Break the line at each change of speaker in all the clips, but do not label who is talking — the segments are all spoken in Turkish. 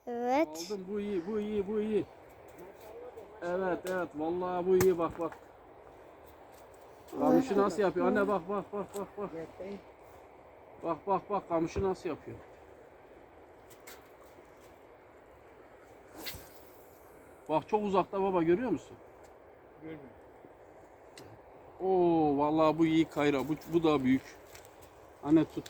Evet.
Aldım, bu iyi, bu iyi, bu iyi. Evet, evet, vallahi bu iyi, bak bak. Kamışı nasıl yapıyor? Anne bak bak bak bak bak. Bak bak bak, kamışı nasıl yapıyor? Bak çok uzakta baba, görüyor musun?
Görmüyorum.
Oo vallahi bu iyi kayra. Bu da büyük. Anne tut.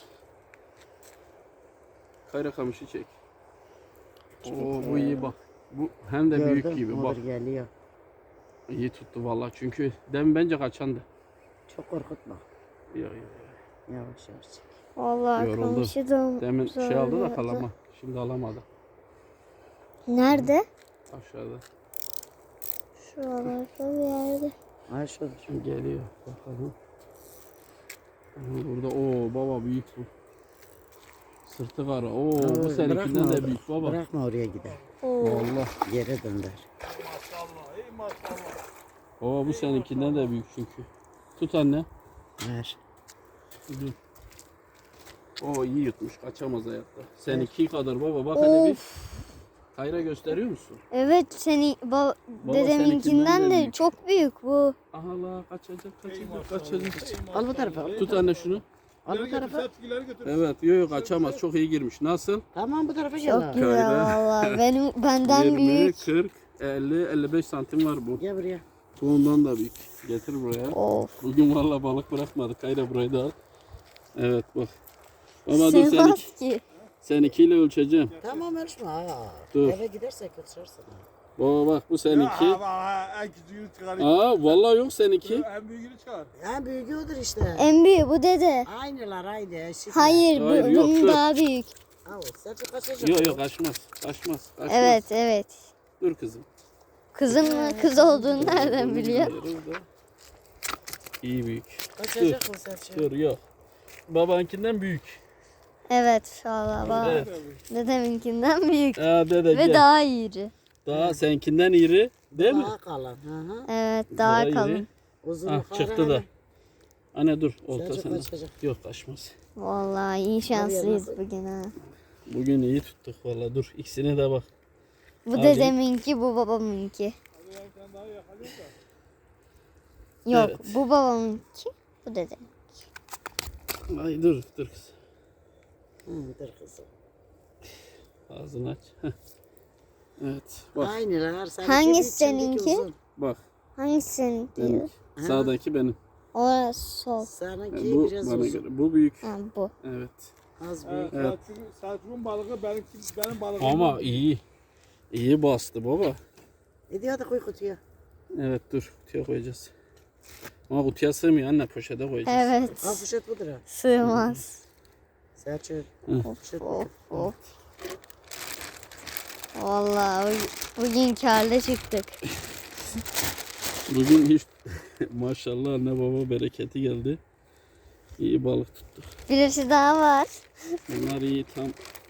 Kayra kamışı çek. Oo bu iyi bak. Bu hem de büyük
Gördüm,
gibi bak.
olur geliyor.
İyi tuttu vallahi, çünkü demin bence kaçandı.
Çok korkutma.
Ya,
Yavaş yavaş çek.
Vallahi
yoruldu.
kamışı da
Demin şey aldı da
zorladı.
kalama. Şimdi alamadı.
Nerede?
Aşağıda.
Şuralarda bir yerde.
Ay şurada.
Şimdi geliyor. Bakalım. Aha, burada o baba büyük bu. Sırtı kara. Oo bu seninkinden de büyük baba.
Bırakma oraya gider.
Oo.
Vallahi.
Yere dönder.
Maşallah, ey maşallah.
Baba bu seninkinden de büyük çünkü. Tut anne.
Ver.
Dur. O iyi yutmuş, kaçamaz hayatta. Seninki kadar baba, bak hele bir. Kayra gösteriyor musun?
Evet dedeminkinden
seninkinden de
de
büyük.
çok büyük bu.
Aha la, kaçacak.
Al bu tarafa. Al.
Tut anne şunu.
Al bu tarafa.
Evet, yok kaçamaz, çok iyi girmiş. Nasıl?
Tamam bu tarafa gel.
Çok
al.
güzel
Kayra.
vallahi. Benden
20,
büyük.
40, 50, 55 santim var bu.
Gel buraya.
Bundan da büyük. Getir buraya.
Of.
Bugün valla balık bırakmadık. Kayra burayı da al. Evet bak. Baba dur,
Sığmaz ki.
seninkiyle ölçeceğim.
Tamam ölçme.
Dur.
Eve gidersek ölçersin.
Baba bak, bu seninki.
En küçüğünü çıkarayım.
Aa vallahi yok seninki.
En büyüğünü çıkar.
En büyüğü odur işte.
En büyüğü bu dede.
Aynılar aynı. Eşit.
Hayır,
Hayır, yok,
bunun
dur.
daha büyük.
Al sen kaçacak.
Yok yok, kaçmaz. Kaçmaz.
Evet evet.
Dur kızım.
Kızım mı? Kız olduğunu nereden biliyor?
İyi büyük.
Kaçacak mı sen?
Dur yok. Babankinden büyük.
Evet valla bak.
Evet.
Dedeminkinden büyük.
Aa dede
Ve
gel.
daha iri.
Daha seninkinden iri değil mi?
Daha kalın. Hı hı.
Evet daha
iri.
kalın.
Uzun
Ah
yukarı
çıktı da.
hani.
Anne dur, olta
Sadece
sana.
kaçacak.
Yok kaçmaz.
Vallahi iyi şanslıyız
nasıl?
bugün ha.
Bugün iyi tuttuk valla, dur ikisine de bak.
Bu
Abi.
dedeminki, bu babamınki. Yok,
Evet.
bu babamınki, bu dedemin.
Ay dur kız.
Hı, dur kızım.
Ağzını aç. Heh. Evet bak
Aynılar.
Hangisi
büyük, şimdiki
seninki?
uzun.
bak.
Hangisi senin
Benim.
diyor?
Sağdaki benim.
Orası sol.
Seninki
Bu
biraz
bana
uzun.
göre. Bu büyük.
Ha, bu.
Evet.
Az büyük.
Evet.
Selçuk'un balığı benim balığım.
Ama iyi. İyi bastı baba.
Hadi koy kutuya.
Evet dur, kutuya koyacağız. Ama kutuya sığmıyor anne, poşete koyacağız.
Evet.
Al poşet budur ha.
Sığmaz.
Selçuk.
Of of of. Vallahi bugün karlı çıktık.
Bugün hiç maşallah anne baba bereketi geldi. İyi balık tuttuk.
Birisi daha var.
Bunlar iyi, tam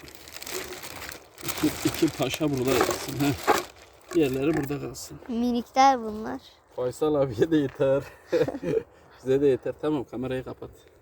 iki paşa burada yatsın. Heh. Diğerleri burada kalsın.
Minikler bunlar.
Faysal abiye de yeter. Bize de yeter. Tamam, kamerayı kapat.